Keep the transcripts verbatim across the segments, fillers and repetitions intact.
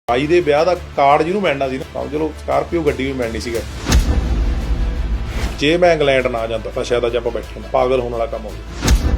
ਬਾਈ ਦੇ ਵਿਆਹ ਦਾ ਕਾਰਡ ਜਿਹਨੂੰ ਮਿਲਣਾ ਸੀ ਨਾ, ਚਲੋ ਸਕਾਰਪੀਓ ਗੱਡੀ ਵੀ ਮਿਲਣੀ ਸੀਗਾ। ਜੇ ਮੈਂ ਇੰਗਲੈਂਡ ਨਾ ਜਾਂਦਾ ਤਾਂ ਸ਼ਾਇਦ ਅੱਜ ਆਪਾਂ ਬੈਠੇ ਨਾ, ਪਾਗਲ ਹੋਣ ਵਾਲਾ ਕੰਮ ਹੋ ਗਿਆ।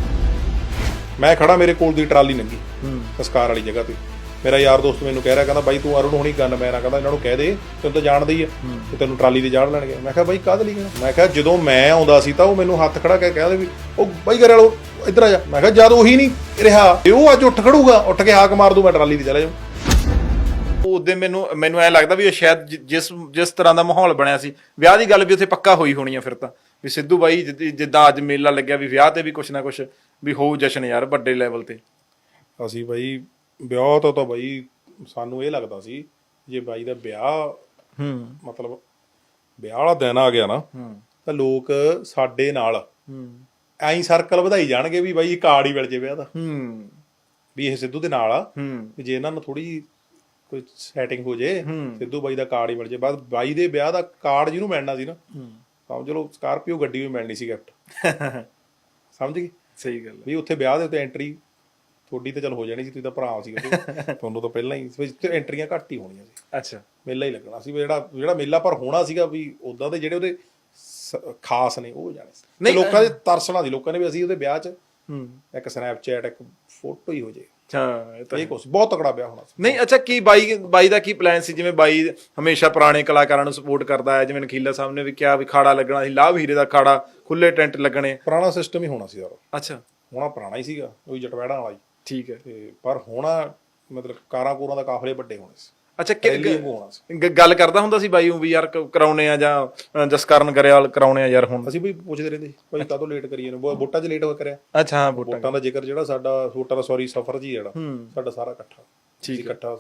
ਮੈਂ ਖੜਾ, ਮੇਰੇ ਕੋਲ ਦੀ ਟਰਾਲੀ ਲੰਘੀ ਸੰਸਕਾਰ ਵਾਲੀ ਜਗ੍ਹਾ ਤੇ, ਮੇਰਾ ਯਾਰ ਦੋਸਤ ਮੈਨੂੰ ਕਹਿ ਰਿਹਾ, ਕਹਿੰਦਾ ਬਾਈ ਤੂੰ ਅਰੁਣ ਹੁਣੀ ਗਨ ਮੈਨ ਆ, ਕਹਿੰਦਾ ਇਹਨਾਂ ਨੂੰ ਕਹਿ ਦੇ ਤੈਨੂੰ ਤਾਂ ਜਾਣਦੇ ਹੀ ਆ ਤੇ ਤੈਨੂੰ ਟਰਾਲੀ ਤੇ ਜਾੜ ਲੈਣਗੇ। ਮੈਂ ਕਿਹਾ ਬਾਈ ਕਾਹਦੇ ਲਈ? ਮੈਂ ਕਿਹਾ ਜਦੋਂ ਮੈਂ ਆਉਂਦਾ ਸੀ ਤਾਂ ਉਹ ਮੈਨੂੰ ਹੱਥ ਖੜਾ ਕੇ ਕਹਿੰਦੇ ਵੀ ਉਹ ਬਾਈ ਘਰੇ ਵਾਲੋ ਇੱਧਰ ਆ ਜਾ। ਮੈਂ ਕਿਹਾ ਜਦ ਉਹੀ ਨਹੀਂ ਰਿਹਾ ਤੇ ਉਹ ਅੱਜ ਉੱਠ ਖੜੂਗਾ, ਉੱਠ ਕੇ ਹਾਕ ਮਾਰ ਦੂ, ਮੈਂ ਟਰਾਲੀ ਤੇ ਚਲਾ ਜਾਊਂ। ਉਹਦੇ ਮੈਨੂੰ ਮੈਨੂੰ ਐ ਲੱਗਦਾ ਵੀ ਉਹ ਸ਼ਾਇਦ ਜਿਸ ਜਿਸ ਤਰ੍ਹਾਂ ਦਾ ਮਾਹੌਲ ਬਣਿਆ ਸੀ, ਵਿਆਹ ਦੀ ਗੱਲ ਵੀ ਉੱਥੇ ਪੱਕਾ ਹੋਈ ਹੋਣੀ ਆ ਫਿਰ ਤਾਂ, ਵੀ ਸਿੱਧੂ ਬਾਈ ਜਿੱਦਾਂ ਅੱਜ ਮੇਲਾ ਲੱਗਿਆ ਵੀ ਵਿਆਹ ਤੇ ਵੀ ਕੁਛ ਨਾ ਕੁਛ ਵੀ ਹੋਊ ਜਸ਼ਨ ਯਾਰ ਵੱਡੇ ਲੈਵਲ ਤੇ। ਅਸੀਂ ਬਾਈ ਵਿਆਹ ਤੋਂ ਤਾਂ ਬਾਈ ਸਾਨੂੰ ਇਹ ਲੱਗਦਾ ਸੀ ਜੇ ਬਾਈ ਦਾ ਵਿਆਹ ਹੂੰ ਮਤਲਬ ਵਿਆਹ ਵਾਲਾ ਦਿਨ ਆ ਗਿਆ ਨਾ ਤਾਂ ਲੋਕ ਸਾਡੇ ਨਾਲ ਐਂ ਸਰਕਲ ਵਧਾਈ ਜਾਣਗੇ ਵੀ ਬਾਈ ਕਾਰਡ ਹੀ ਮਿਲ ਜੇ ਵਿਆਹ ਦਾ, ਹੂੰ ਵੀ ਇਹ ਸਿੱਧੂ ਦੇ ਨਾਲ ਆ, ਹੂੰ ਵੀ ਜੇ ਇਹਨਾਂ ਨੂੰ ਥੋੜੀ ਕੋਈ ਸੈਟਿੰਗ ਹੋ ਜੇ ਸਿੱਧੂ ਬਾਈ ਦਾ ਕਾਰਡ ਹੀ ਮਿਲ ਜੇ। ਬਸ ਬਾਈ ਦੇ ਵਿਆਹ ਦਾ ਕਾਰਡ ਜਿਹਨੂੰ ਮਿਲਣਾ ਸੀ ਨਾ, ਸਮਝ ਲਓ ਸਕਾਰਪੀਓ ਗੱਡੀ ਵੀ ਮਿਲਣੀ ਸੀ ਗਿਫਟ। ਸਮਝ ਗਈ? ਸਹੀ ਗੱਲ ਵੀ ਉੱਥੇ ਵਿਆਹ ਦੇ ਉੱਤੇ ਐਂਟਰੀ ਤੁਹਾਡੀ ਤਾਂ ਚਲ ਹੋ ਜਾਣੀ ਸੀ, ਤੁਸੀਂ ਤਾਂ ਭਰਾ ਸੀ ਤੁਹਾਨੂੰ ਤਾਂ ਪਹਿਲਾਂ ਹੀ ਐਂਟਰੀਆਂ ਘੱਟ ਹੀ ਹੋਣੀਆਂ ਸੀ। ਅੱਛਾ, ਮੇਲਾ ਮੇਲਾ ਹੀ ਲੱਗਣਾ ਸੀ ਜਿਹੜਾ ਜਿਹੜਾ ਮੇਲਾ ਪਰ ਹੋਣਾ ਸੀਗਾ ਵੀ ਉਦਾਂ ਦੇ ਜਿਹੜੇ ਉਹਦੇ ਖਾਸ ਨੇ ਉਹ ਜਾਣੇ ਸੀ। ਨਹੀਂ ਲੋਕਾਂ ਦੇ ਤਰਸਣਾ ਸੀ ਲੋਕਾਂ ਨੇ ਵੀ ਅਸੀਂ ਉਹਦੇ ਵਿਆਹ 'ਚ ਇੱਕ ਸਨੈਪਚੈਟ ਇੱਕ ਫੋਟੋ ਹੀ ਹੋ ਜੇ। ਹਾਂ, ਇਹ ਤਾਂ ਇਹ ਕੁਛ ਬਹੁਤ ਤਕੜਾ ਵਿਆਹ ਹੋਣਾ ਸੀ। ਨਹੀਂ ਅੱਛਾ, ਕੀ ਬਾਈ ਬਾਈ ਦਾ ਕੀ ਪਲਾਨ ਸੀ? ਜਿਵੇਂ ਬਾਈ ਹਮੇਸ਼ਾ ਪੁਰਾਣੇ ਕਲਾਕਾਰਾਂ ਨੂੰ ਸਪੋਰਟ ਕਰਦਾ ਹੈ, ਜਿਵੇਂ ਨਖੀਲਾ ਸਾਹਿਬ ਨੇ ਵੀ ਕਿਹਾ ਵੀ ਖਾੜਾ ਲੱਗਣਾ ਸੀ, ਲਾਭ ਹੀਰੇ ਦਾ ਖਾੜਾ, ਖੁੱਲੇ ਟੈਂਟ ਲੱਗਣੇ, ਪੁਰਾਣਾ ਸਿਸਟਮ ਹੀ ਹੋਣਾ ਸੀ ਯਾਰ। ਅੱਛਾ, ਹੋਣਾ ਪੁਰਾਣਾ ਹੀ ਸੀਗਾ, ਉਹੀ ਜਟਵੈੜਾਂ ਵਾਲਾ ਹੀ। ਠੀਕ ਹੈ, ਤੇ ਪਰ ਹੋਣਾ ਮਤਲਬ ਕਾਰਾਂ ਕੂਰਾਂ ਦਾ ਕਾਫਲੇ ਵੱਡੇ ਹੋਣੇ ਸੀ। ਅੱਛਾ, ਹੋਣਾ ਸੀ। ਗੱਲ ਕਰਦਾ ਹੁੰਦਾ ਸੀ ਬਾਈ ਵੀ ਯਾਰ ਕਰਾਉਣੇ ਆ ਜਾਂ ਜਸਕਰਨ ਗਰੇਵਾਲ ਕਰਾਉਣੇ ਆ ਯਾਰ ਹੁਣ? ਅਸੀਂ ਵੀ ਪੁੱਛਦੇ ਰਹਿੰਦੇ ਭਾਈ ਕਾਹਤੋਂ ਲੇਟ ਕਰੀਏ ਨੇ, ਵੋਟਾਂ 'ਚ ਲੇਟ ਹੋ ਕਰਿਆ। ਅੱਛਾ, ਹਾਂ, ਵੋਟਾਂ ਦਾ ਜ਼ਿਕਰ ਜਿਹੜਾ ਸਾਡਾ ਵੋਟਾਂ ਦਾ ਸੌਰੀ ਸਫ਼ਰ ਜੀ ਜਿਹੜਾ ਸਾਡਾ ਸਾਰਾ ਇਕੱਠਾ ਠੀਕ ਇਕੱਠਾ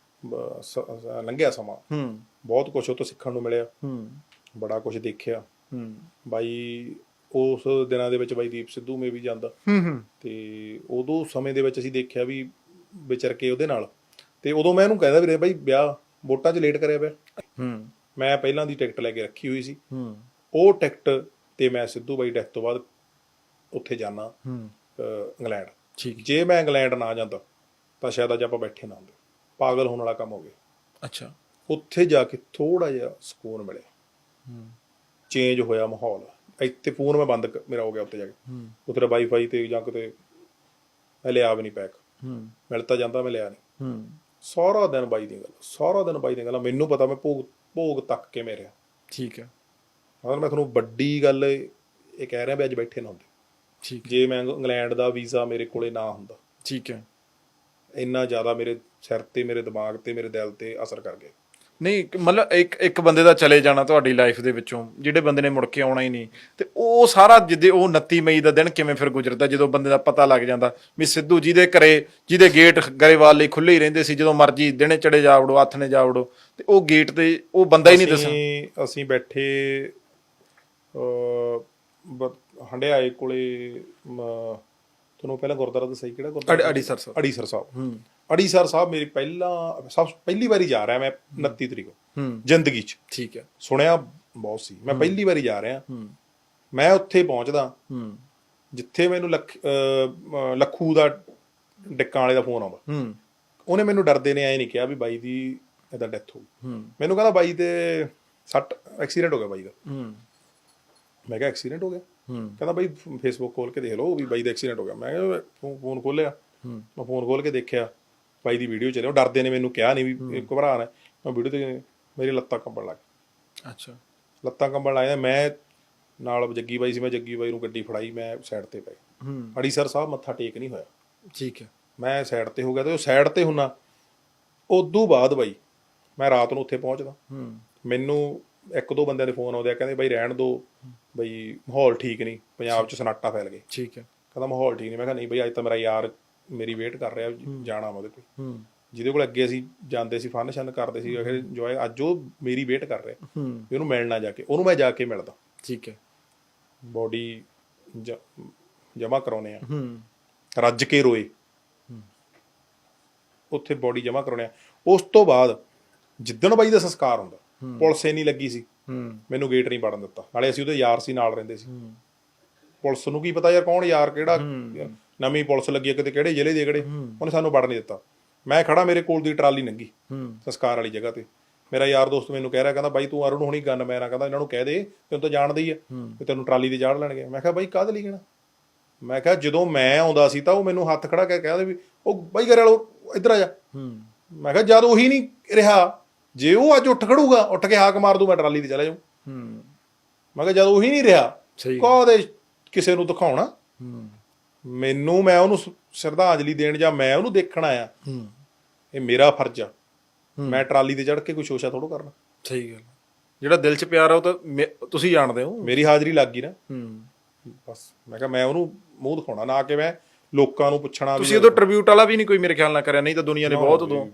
ਲੰਘਿਆ ਸਮਾਂ, ਬਹੁਤ ਕੁਛ ਉਹ ਤੋਂ ਸਿੱਖਣ ਨੂੰ ਮਿਲਿਆ, ਬੜਾ ਕੁਛ ਦੇਖਿਆ। ਬਾਈ ਉਸ ਦਿਨਾਂ ਦੇ ਵਿੱਚ ਬਾਈ ਦੀਪ ਸਿੱਧੂ ਮੇ ਵੀ ਜਾਂਦਾ ਤੇ ਉਦੋਂ ਸਮੇਂ ਦੇ ਵਿੱਚ ਅਸੀਂ ਦੇਖਿਆ ਵੀ ਵਿਚਰ ਕੇ ਉਹਦੇ ਨਾਲ, ਤੇ ਉਦੋਂ ਮੈਂ ਇਹਨੂੰ ਕਹਿੰਦਾ ਵੀ ਬਾਈ ਵਿਆਹ ਵੋਟਾਂ 'ਚ ਲੇਟ ਕਰਿਆ ਪਿਆ। ਮੈਂ ਪਹਿਲਾਂ ਦੀ ਟਿਕਟ ਲੈ ਕੇ ਰੱਖੀ ਹੋਈ ਸੀ, ਉਹ ਟਿਕਟ ਤੇ ਮੈਂ ਸਿੱਧੂ ਬਾਈ ਡੈਥ ਤੋਂ ਬਾਅਦ ਉੱਥੇ ਜਾਣਾ ਇੰਗਲੈਂਡ। ਜੇ ਮੈਂ ਇੰਗਲੈਂਡ ਨਾ ਜਾਂਦਾ ਤਾਂ ਸ਼ਾਇਦ ਅੱਜ ਆਪਾਂ ਬੈਠੇ ਨਾ ਹੁੰਦੇ। ਪਾਗਲ ਹੋਣ ਵਾਲਾ ਕੰਮ ਹੋ ਗਿਆ। ਅੱਛਾ, ਉੱਥੇ ਜਾ ਕੇ ਥੋੜਾ ਜਿਹਾ ਸਕੂਨ ਮਿਲਿਆ, ਚੇਂਜ ਹੋਇਆ ਮਾਹੌਲ। ਇੱਥੇ ਫੋਨ ਮੈਂ ਬੰਦ ਮੇਰਾ ਹੋ ਗਿਆ ਉੱਥੇ ਜਾ ਕੇ, ਉੱਥੇ ਦਾ ਵਾਈਫਾਈ ਤੇ ਜਾਂ ਕਿਤੇ ਮੈਂ ਲਿਆ ਵੀ ਨਹੀਂ ਪੈਕ, ਮਿਲ ਤਾਂ ਜਾਂਦਾ ਮੈਂ ਲਿਆ ਨਹੀਂ। ਸਾਰਾ ਦਿਨ ਬਾਈ ਦੀ ਗੱਲ, ਸਾਰਾ ਦਿਨ ਬਾਈ ਦੀ ਗੱਲ। ਮੈਨੂੰ ਪਤਾ ਮੈਂ ਭੋਗ ਭੋਗ ਤੱਕ ਕੇ ਮੈਂ ਰਿਹਾ। ਠੀਕ ਹੈ, ਮਤਲਬ ਮੈਂ ਤੁਹਾਨੂੰ ਵੱਡੀ ਗੱਲ ਇਹ ਕਹਿ ਰਿਹਾ ਵੀ ਅੱਜ ਬੈਠੇ ਨਾ ਹੁੰਦੇ। ਠੀਕ, ਜੇ ਮੈਂ ਇੰਗਲੈਂਡ ਦਾ ਵੀਜ਼ਾ ਮੇਰੇ ਕੋਲੇ ਨਾ ਹੁੰਦਾ। ਠੀਕ ਹੈ, ਇੰਨਾ ਜ਼ਿਆਦਾ ਮੇਰੇ ਸਿਰ ਤੇ, ਮੇਰੇ ਦਿਮਾਗ ਤੇ, ਮੇਰੇ ਦਿਲ ਤੇ ਅਸਰ ਕਰ ਗਿਆ। ਨਹੀਂ ਮਤਲਬ ਇੱਕ ਇੱਕ ਬੰਦੇ ਦਾ ਚਲੇ ਜਾਣਾ ਤੁਹਾਡੀ ਲਾਈਫ ਦੇ ਵਿੱਚੋਂ, ਜਿਹੜੇ ਬੰਦੇ ਨੇ ਮੁੜ ਕੇ ਆਉਣਾ ਹੀ ਨਹੀਂ, ਤੇ ਉਹ ਸਾਰਾ ਜਿੱਦੇ ਉਹ ਉਨੱਤੀ ਮਈ ਦਾ ਦਿਨ ਕਿਵੇਂ ਫਿਰ ਗੁਜ਼ਰਦਾ ਜਦੋਂ ਬੰਦੇ ਦਾ ਪਤਾ ਲੱਗ ਜਾਂਦਾ ਵੀ ਸਿੱਧੂ ਜਿਹਦੇ ਘਰੇ ਜਿਹਦੇ ਗੇਟ ਗਰੇਵਾਲ ਲਈ ਖੁੱਲੇ ਹੀ ਰਹਿੰਦੇ ਸੀ, ਜਦੋਂ ਮਰਜੀ ਦਿਨੇ ਚੜੇ ਜਾ ਵੜੋ, ਹੱਥ ਨੇ ਜਾ ਵੜੋ, ਤੇ ਉਹ ਗੇਟ ਤੇ ਉਹ ਬੰਦਾ ਹੀ ਨਹੀਂ ਦੱਸਿਆ। ਅਸੀਂ ਬੈਠੇ ਹੰਡਿਆਏ ਕੋਲੇ, ਤੁਹਾਨੂੰ ਪਹਿਲਾਂ ਗੁਰਦੁਆਰਾ ਦੱਸਿਆ ਕਿਹੜਾ ਗੁਰਦੁਆਰਾ? ਅੜੀਸਰ ਸਾਹਿਬ। ਅੜੀਸਰ ਸਾਹਿਬ ਅੜੀਸਰ ਸਾਹਿਬ ਮੇਰੀ ਪਹਿਲਾਂ ਸਭ ਪਹਿਲੀ ਵਾਰੀ ਜਾ ਰਿਹਾ ਮੈਂ, ਉਨੱਤੀ ਤਰੀਕ ਜ਼ਿੰਦਗੀ 'ਚ। ਠੀਕ ਹੈ, ਸੁਣਿਆ ਬਹੁਤ ਸੀ, ਮੈਂ ਪਹਿਲੀ ਵਾਰੀ ਜਾ ਰਿਹਾ। ਮੈਂ ਉੱਥੇ ਪਹੁੰਚਦਾ ਜਿੱਥੇ ਮੈਨੂੰ ਲੱਖ ਲੱਖੂ ਦਾ ਡਿੱਕਾਂ ਵਾਲੇ ਦਾ ਫੋਨ ਆਉਂਦਾ। ਉਹਨੇ ਮੈਨੂੰ ਡਰਦੇ ਨੇ ਐਂ ਨਹੀਂ ਕਿਹਾ ਵੀ ਬਾਈ ਦੀ ਏਦਾਂ ਡੈਥ ਹੋ ਗਈ, ਮੈਨੂੰ ਕਹਿੰਦਾ ਬਾਈ ਤੇ ਸੱਟ ਐਕਸੀਡੈਂਟ ਹੋ ਗਿਆ ਬਾਈ ਦਾ। ਮੈਂ ਕਿਹਾ ਐਕਸੀਡੈਂਟ ਹੋ ਗਿਆ? ਕਹਿੰਦਾ ਬਾਈ ਫੇਸਬੁੱਕ ਖੋਲ ਕੇ ਦੇਖ ਲਓ ਵੀ ਬਾਈ ਦਾ ਐਕਸੀਡੈਂਟ ਹੋ ਗਿਆ। ਮੈਂ ਕਿਹਾ ਫੋਨ ਖੋਲਿਆ, ਮੈਂ ਫੋਨ ਖੋਲ ਕੇ ਦੇਖਿਆ ਬਾਈ ਦੀ ਵੀਡੀਓ ਚੱਲਿਆ। ਉਹ ਡਰਦੇ ਨੇ ਮੈਨੂੰ ਕਿਹਾ ਨਹੀਂ ਵੀ ਘਬਰਾ ਨਾ, ਮੈਂ ਵੀਡੀਓ ਤੇ ਮੇਰੀ ਲੱਤਾਂ ਕੰਬਣ ਲੱਗ ਗਈਆਂ। ਅੱਛਾ, ਲੱਤਾਂ ਕੰਬਣ ਲੱਗ ਜਾਂਦੀਆਂ। ਮੈਂ ਨਾਲ ਜੱਗੀ ਬਾਈ ਸੀ, ਮੈਂ ਜੱਗੀ ਬਾਈ ਨੂੰ ਗੱਡੀ ਫੜਾਈ, ਮੈਂ ਸਾਈਡ ਤੇ ਪਏ। ਅੜੀਸਰ ਸਾਹਿਬ ਮੱਥਾ ਟੇਕ ਨਹੀਂ ਹੋਇਆ। ਠੀਕ ਹੈ, ਮੈਂ ਸਾਈਡ ਤੇ ਹੋ ਗਿਆ, ਤੇ ਉਹ ਸਾਈਡ ਤੇ ਹੁੰਨਾ। ਉਦੋਂ ਬਾਅਦ ਬਾਈ ਮੈਂ ਰਾਤ ਨੂੰ ਉੱਥੇ ਪਹੁੰਚਦਾ, ਮੈਨੂੰ ਇੱਕ ਦੋ ਬੰਦਿਆਂ ਦੇ ਫੋਨ ਆਉਂਦੇ ਆ, ਕਹਿੰਦੇ ਬਾਈ ਰਹਿਣ ਦੋ, ਬਈ ਮਾਹੌਲ ਠੀਕ ਨਹੀਂ, ਪੰਜਾਬ 'ਚ ਸਨਾਟਾ ਫੈਲ ਗਏ। ਠੀਕ ਹੈ, ਕਹਿੰਦਾ ਮਾਹੌਲ ਠੀਕ ਨਹੀਂ। ਮੈਂ ਕਿਹਾ ਨਹੀਂ ਬਈ ਅੱਜ ਤਾਂ ਮੇਰਾ ਯਾਰ ਮੇਰੀ ਵੇਟ ਕਰ ਰਿਹਾ, ਜਾਣਾ ਮੈਂ ਉਹਦੇ ਕੋਲ, ਜਿਹਦੇ ਕੋਲ ਅੱਗੇ ਅਸੀਂ ਜਾਂਦੇ ਸੀ, ਫਨ ਸ਼ਨ ਕਰਦੇ ਸੀ ਇੰਜੋਏ। ਅੱਜ ਉਹ ਮੇਰੀ ਵੇਟ ਕਰ ਰਿਹਾ ਵੀ ਉਹਨੂੰ ਮਿਲਣਾ, ਜਾ ਕੇ ਉਹਨੂੰ ਮੈਂ ਜਾ ਕੇ ਮਿਲਦਾ। ਠੀਕ ਹੈ, ਬੋਡੀ ਜਮ੍ਹਾਂ ਕਰਾਉਣੇ ਆ, ਰੱਜ ਕੇ ਰੋਏ ਉੱਥੇ ਬੋਡੀ ਜਮ੍ਹਾਂ ਕਰਾਉਣੇ ਆ। ਉਸ ਤੋਂ ਬਾਅਦ ਜਿੱਦਣ ਬਾਈ ਦਾ ਸੰਸਕਾਰ ਹੁੰਦਾ, ਪੁਲਿਸ ਇੰਨੀ ਲੱਗੀ ਸੀ, ਮੈਨੂੰ ਗੇਟ ਨਹੀਂ ਵੜਨ ਦਿੱਤਾ। ਨਾਲੇ ਅਸੀਂ ਉਹਦੇ ਯਾਰ ਸੀ, ਨਾਲ ਰਹਿੰਦੇ ਸੀ। ਪੁਲਿਸ ਨੂੰ ਕੀ ਪਤਾ ਯਾਰ ਕੌਣ ਯਾਰ, ਕਿਹੜਾ ਨਵੀਂ ਪੁਲਿਸ ਲੱਗੀ ਹੈ ਕਿਤੇ, ਕਿਹੜੇ ਜ਼ਿਲ੍ਹੇ ਦੇ ਕਿਹੜੇ, ਉਹਨੇ ਸਾਨੂੰ ਵੜ ਨਹੀਂ ਦਿੱਤਾ। ਮੈਂ ਖੜਾ, ਮੇਰੇ ਕੋਲ ਦੀ ਟਰਾਲੀ ਲੰਘੀ ਹੂੰ ਸੰਸਕਾਰ ਵਾਲੀ ਜਗ੍ਹਾ ਤੇ, ਮੇਰਾ ਯਾਰ ਦੋਸਤ ਮੈਨੂੰ ਕਹਿ ਰਿਹਾ, ਕਹਿੰਦਾ ਬਾਈ ਤੂੰ ਅਰੁਣ ਹੁਣੀ ਗਨ ਮੈਨ ਆ, ਕਹਿੰਦਾ ਇਹਨਾਂ ਨੂੰ ਕਹਿ ਦੇ ਤੈਨੂੰ ਤਾਂ ਜਾਣਦੇ ਹੀ ਆ ਵੀ ਤੈਨੂੰ ਟਰਾਲੀ ਤੇ ਚਾੜ ਲੈਣਗੇ। ਮੈਂ ਕਿਹਾ ਬਾਈ ਕਾਹਦੇ ਲਈ ਕਹਿਣਾ? ਮੈਂ ਕਿਹਾ ਜਦੋਂ ਮੈਂ ਆਉਂਦਾ ਸੀ ਤਾਂ ਉਹ ਮੈਨੂੰ ਹੱਥ ਖੜਾ ਕੇ ਕਹਿੰਦੇ ਵੀ ਉਹ ਬਾਈ ਘਰੇ ਵਾਲੋ ਇੱਧਰ ਆ ਜਾ। ਮੈਂ ਕਿਹਾ ਜਦ ਉਹੀ ਨਹੀਂ ਰਿਹਾ, ਜੇ ਉਹ ਅੱਜ ਉੱਠ ਖੜੂਗਾ, ਉੱਠ ਕੇ ਹਾਕ ਮਾਰ ਦੂ, ਮੈਂ ਟਰਾਲੀ ਤੇ ਚਲਾ ਜਾਊਂ। ਮੈਂ ਕਿਹਾ ਜਦ ਉਹੀ ਨਹੀਂ ਰਿਹਾ, ਕਾਹਦੇ ਕਿਸੇ ਨੂੰ ਦਿਖਾਉਣਾ? ਮੈਨੂੰ, ਮੈਂ ਉਹਨੂੰ ਸ਼ਰਧਾਂਜਲੀ ਦੇਣ ਜਾਂ ਮੈਂ ਉਹਨੂੰ ਦੇਖਣ ਆਇਆ, ਇਹ ਮੇਰਾ ਫਰਜ਼ ਆ। ਮੈਂ ਟਰਾਲੀ ਤੇ ਚੜ੍ਹ ਕੇ ਕੋਈ ਸ਼ੋਸ਼ਾ ਥੋੜ੍ਹਾ ਕਰਨਾ। ਸਹੀ ਗੱਲ। ਜਿਹੜਾ ਦਿਲ 'ਚ ਪਿਆਰ ਆ ਉਹ ਤਾਂ ਤੁਸੀਂ ਜਾਣਦੇ ਹੋ। ਮੇਰੀ ਹਾਜ਼ਰੀ ਲੱਗ ਗਈ ਨਾ, ਬਸ। ਮੈਂ ਕਿਹਾ ਮੈਂ ਉਹਨੂੰ ਮੂੰਹ ਦਿਖਾਉਣਾ, ਨਾ ਕਿ ਮੈਂ ਲੋਕਾਂ ਨੂੰ ਪੁੱਛਣਾ। ਤੁਸੀਂ ਉਦੋਂ ਟ੍ਰਿਬਿਊਟ ਵਾਲਾ ਵੀ ਨਹੀਂ ਕੋਈ ਮੇਰੇ ਖਿਆਲ ਨਾਲ ਕਰਿਆ, ਨਹੀਂ ਤਾਂ ਦੁਨੀਆ ਨੇ ਬਹੁਤ ਉਦੋਂ